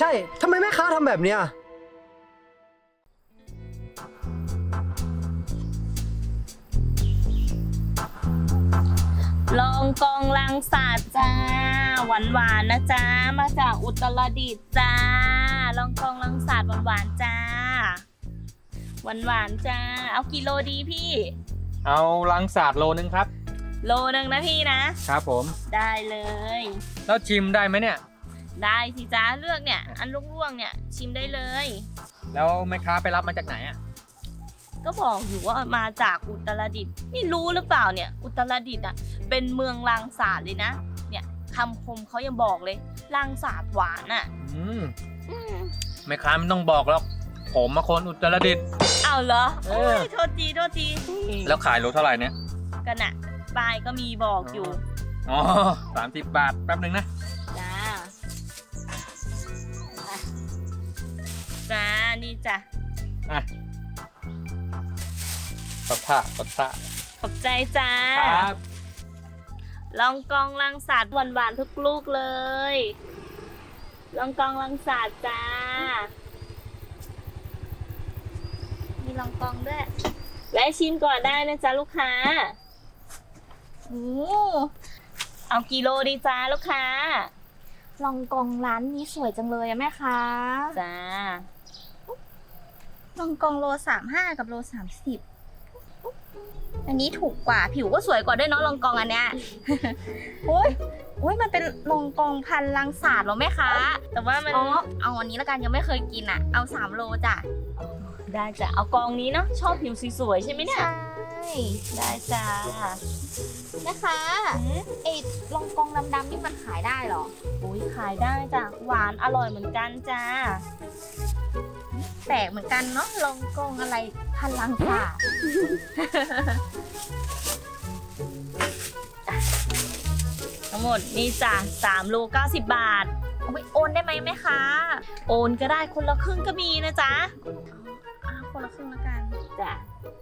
ทำไมแม่ค้าทำแบบเนี้ยลองกองลังสาดจ้าหวานหวานนะจ้ามาจากอุตรดิตถ์จ้าลองกองลังสาดหวานหวานจ้าหวานหวานจ้าเอากี่โลดีพี่เอาลังสาดโลนึงครับโลนึงนะพี่นะครับผมได้เลยแล้วชิมได้ไหมเนี่ยได้สิจ้าเลือกเนี่ยอันร่วงๆเนี่ยชิมได้เลยแล้วแม่ค้าไปรับมาจากไหนอ่ะก็บอกอยู่ว่ามาจากอุตรดิตถ์นี่รู้หรือเปล่าเนี่ยอุตรดิตถ์อ่ะเป็นเมืองลังสาดเลยนะเนี่ยคำคมเขายังบอกเลยลังสาดหวานอ่ะแม่ค้าไม่ต้องบอกหรอกผมมาคนอุตรดิตถ์เอาเหรอเอโอ้อยโทษทีโทษทีแล้วขายโลเท่าไหร่เนี่ยกันอะป้ายก็มีบอกอยู่อ๋อ30 บาทแป๊บหนึ่งนะจ้าจ้านี่จ้ะอ่ะกดท่ากดท่าขอบใจจ้าครับลองกองลังสาดหวานๆทุกลูกเลย ลองกองลังสาดจ้ามีลองกองด้วยแวะชิมก่อนได้นะจ๊ะลูกค้าโอ้เอากี่โลดีจ้าลูกค้าลองกองร้านนี้สวยจังเลยอะแม่ค้าจ้าลองกองโล35กับโล30อันนี้ถูกกว่าผิวก็สวยกว่าด้วยเนาะลองกองอันเนี้ย โอ้ยโอ้ยมันเป็นลองกองพันลังสาดเหรอแม่ค้าแต่ว่ามันอ๋อเอาอันนี้ละกันยังไม่เคยกินอะเอา3โลจ้ะได้จ้ะเอากองนี้เนาะชอบผิวสวยๆใช่ไหมเนี่ยใช่ได้จ้าแม่ค้าไอ้ลองกองดำๆนี่มันขายได้เหรออุ้ยขายได้จ้ะหวานอร่อยเหมือนกันจ้าแปลกเหมือนกันเนาะลองกองอะไรพันลังสาดทั้งหมดนี่จ้ะ3 โล 90 บาทเอาไปโอนได้ไหมแม่ค้าโอนก็ได้คนละครึ่งก็มีนะจ๊ะคนละครึ่งละกันจ้ะ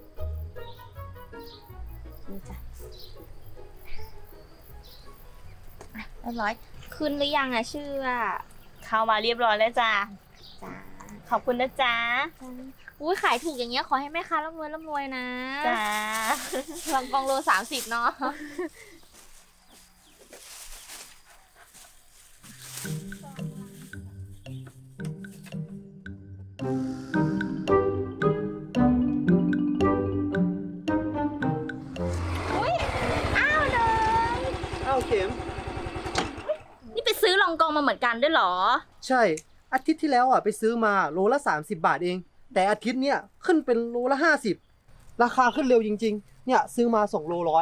นี่จ้ะเรียบร้อยขึ้นหรือยังอะชื่ออะเข้ามาเรียบร้อยแล้วจ้ะจ้าขอบคุณนะจ๊ะอุ้ยขายถูกอย่างเงี้ยขอให้แม่ค้าร่ำรวยนะจ้าลองกองโล30เนาะอ้าวเข็มนี่ไปซื้อลองกองมาเหมือนกันด้วยเหรอใช่ อาทิตย์ที่แล้วอ่ะไปซื้อมาโลละ30 บาทเอง แต่อาทิตย์เนี้ยขึ้นเป็นโลละ50ราคาขึ้นเร็วจริงๆ เนี่ยซื้อมา2 โลร้อย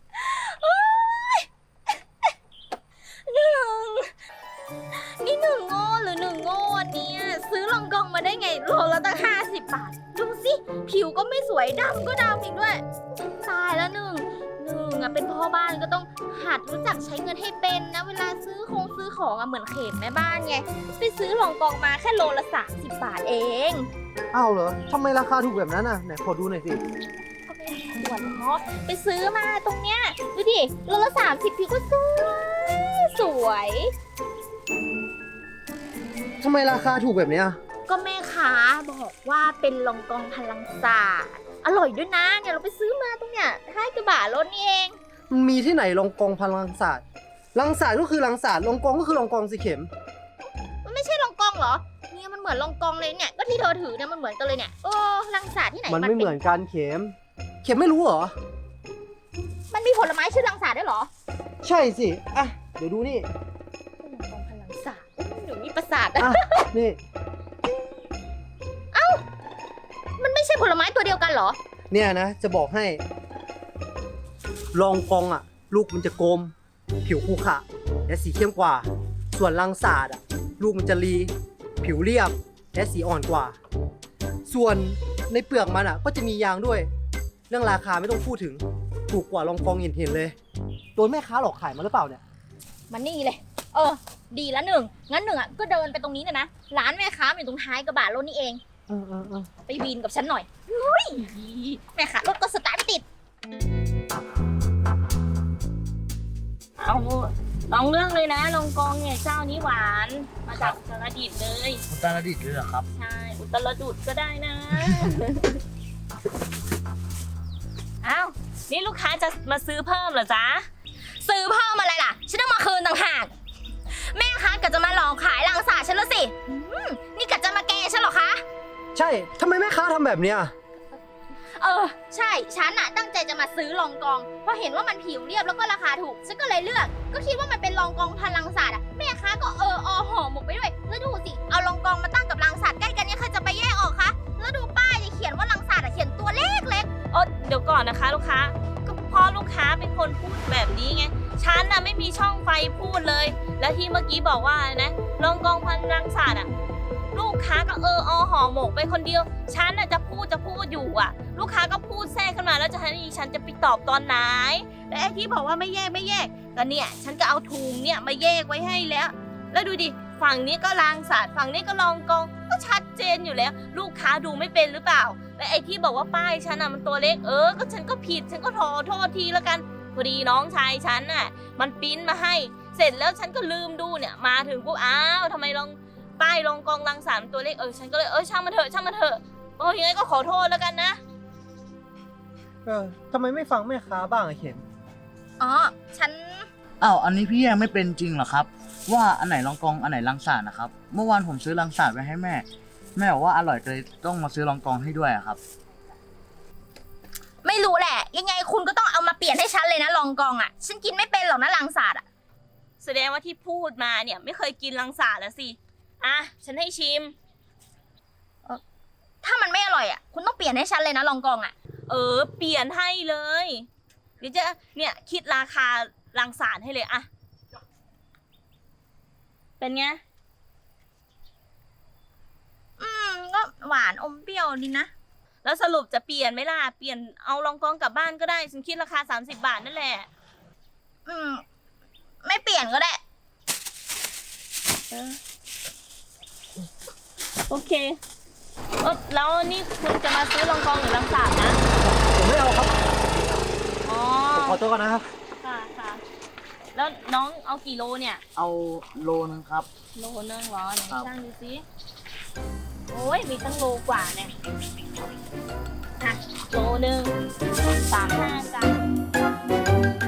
นี่หนึ่งโง่หรือหนึ่งโง่อันเนี่ยซื้อลองกองมาได้ไงโลละตั้ง50 บาท ดูสิผิวก็ไม่สวยดำก็ดำอีกด้วยตายแล้วหนึ่งอะเป็นพ่อบ้านก็ต้องหัดรู้จักใช้เงินให้เป็นนะเวลาซื้อของอะเหมือนเขมแม่บ้านไงไปซื้อลองกองมาแค่โลละ30 บาทเองอ้าวเหรอทำไมราคาถูกแบบนั้นอ่ะไหนขอดูหน่อยสิก็ไม่ได้ขวดเนาะไปซื้อมาตรงเนี้ยดูดิโลละ30ผิวก็สวยทำไมราคาถูกแบบเนี้ยก็แม่ค้าบอกว่าเป็นลองกองพลังศาสตร์อร่อยด้วยนะเนี่ยเราไปซื้อมาตรงเนี้ย5 กว่าบาทลดนี่เองมันมีที่ไหนลองกองพันลังศาสตร์ลังศาสตร์ก็คือลังศาสตร์ลองกองก็คือลองกองสิเข็มมันไม่ใช่ลองกองเหรอเนี่ยมันเหมือนลองกองเลยเนี่ยก็ที่เธอถือเนี่ยมันเหมือนกันเลยเนี่ยโอ้ลังศาสตร์ที่ไหนมันไม่เหมือนกันเข็ม เข็มไม่รู้เหรอมันมีผลไม้ชื่อลังศาสตร์ด้วยเหรอใช่สิ อ่ะ เดี๋ยวดูนี่ลองกองพลังศาสตร์หนูมีประสาทอ่ะ นี่มันไม่ใช่ผลไม้ตัวเดียวกันเหรอเนี่ยนะ จะบอกให้ ลองกองอ่ะ ลูกมันจะกลม ผิวขรุขระและสีเข้มกว่า ส่วนลังศาสตร์อ่ะ ลูกมันจะรี ผิวเรียบ และสีอ่อนกว่า ส่วนในเปลือกมันอ่ะ ก็จะมียางด้วย เรื่องราคาไม่ต้องพูดถึง ถูกกว่าลองกองเห็นๆเลยโดนแม่ค้าหลอกขายมาหรือเปล่าเนี่ยมันนี่เลยดีละหนึ่งงั้นหนึ่งอ่ะก็เดินไปตรงนี้เลยนะร้านแม่ค้ามันอยู่ตรงท้ายกระบะรถนี่เอง ไปวีนกับฉันหน่อยเฮ้ยแม่ค้ารถก็สตาร์ทไม่ติดเอาลองเลือกเลยนะลองกองเนี่ยเจ้านี้หวานมาจากอุตรดิตถ์เลยอุตรดิตถ์เลยเหรอครับใช่อุตรดิตถ์ก็ได้นะ อ้าวนี่ลูกค้าจะมาซื้อเพิ่มเหรอจ๊ะซื้อเพิ่มอะไรล่ะ ฉันต้องมาคืนต่างหาก แม่คะกะจะมาหลอกขายลังสาฉันแล้วสินี่กะจะมาแกล้งฉันเหรอคะใช่ทำไมแม่ค้าทำแบบเนี้ยใช่ฉันน่ะตั้งใจจะมาซื้อรองกองเพราะเห็นว่ามันผิวเรียบแล้วก็ราคาถูกฉันก็เลยเลือก ก็คิดว่ามันเป็นรองกองพันลังสาดแม่ค้าก็ห่อหมกไปด้วยแล้วดูสิเอารองกองมาตั้งกับลังสาดใกล้กันเนี่ยใครจะไปแยกออกคะแล้วดูป้ายที่เขียนว่าลังสาดเขียนตัวเล็กเดี๋ยวก่อนนะคะลูกค้าก็เพราะลูกค้าเป็นคนพูดแบบนี้ไงฉันน่ะไม่มีช่องไฟพูดเลย แล้วที่เมื่อกี้บอกว่าอะไรนะรองกองพันรังสาดลูกค้าก็ห่อหมกไปคนเดียวฉันน่ะจะพูดอยู่ลูกค้าก็พูดแทรกขึ้นมาแล้วจะให้ฉันจะไปตอบตอนไหนและไอ้ที่บอกว่าไม่แยกก็เนี่ยฉันก็เอาถุงเนี่ยมาแยกไว้ให้แล้วดูดิฝั่งนี้ก็รังสาดฝั่งนี้ก็รองกองก็ชัดเจนอยู่แล้ว ลูกค้าดูไม่เป็นหรือเปล่าและไอ้ที่บอกว่าป้ายฉันมันตัวเล็กก็ฉันก็ผิดฉันก็ขอโทษทีแล้วกันพอดีน้องชายฉันมันปริ้นมาให้เสร็จแล้วฉันก็ลืมดูเนี่ยมาถึงปุ๊บอ้าวทำไมป้ายรองกองรังสาดตัวเล็กฉันก็เลยช่างมันเถอะยังไงก็ขอโทษแล้วกันนะทำไมไม่ฟังแม่ค้าบ้างอะเข็มฉันอ้าว อันนี้พี่ยังไม่เป็นจริงเหรอครับ ว่าอันไหนรองกองอันไหนลังสาดนะครับ เมื่อวานผมซื้อลังสาดไว้ให้แม่ แม่บอกว่าอร่อยเลยต้องมาซื้อรองกองให้ด้วยอะครับไม่รู้แหละ ยังไงคุณก็ต้องเอามาเปลี่ยนให้ฉันเลยนะรองกองฉันกินไม่เป็นหรอกนะลังสาดแสดงว่าที่พูดมาเนี่ยไม่เคยกินรังสาดแล้วสิฉันให้ชิมถ้ามันไม่อร่อยคุณต้องเปลี่ยนให้ฉันเลยนะรองกองเปลี่ยนให้เลยเดี๋ยวจะเนี่ยคิดราคารังสาดให้เลยเป็นไงก็หวานอมเปรี้ยวดีนะแล้วสรุปจะเปลี่ยนไหมล่ะเปลี่ยนเอารองกองกลับบ้านก็ได้ฉันคิดราคา30 บาทนั่นแหละไม่เปลี่ยนก็ได้โอเคแล้วนี่คุณจะมาซื้อรองกองหรือรังสาดนะผมไม่เอาครับอ๋อผมขอตัวก่อนนะครับค่ะแล้วน้องเอากี่โลเนี่ยเอาโลนึงครับโลนึงเหรอไหนครับช่างดูสิโอ้ยมีตั้งโลกว่าเนี่ยโลนึง35 จ้ะ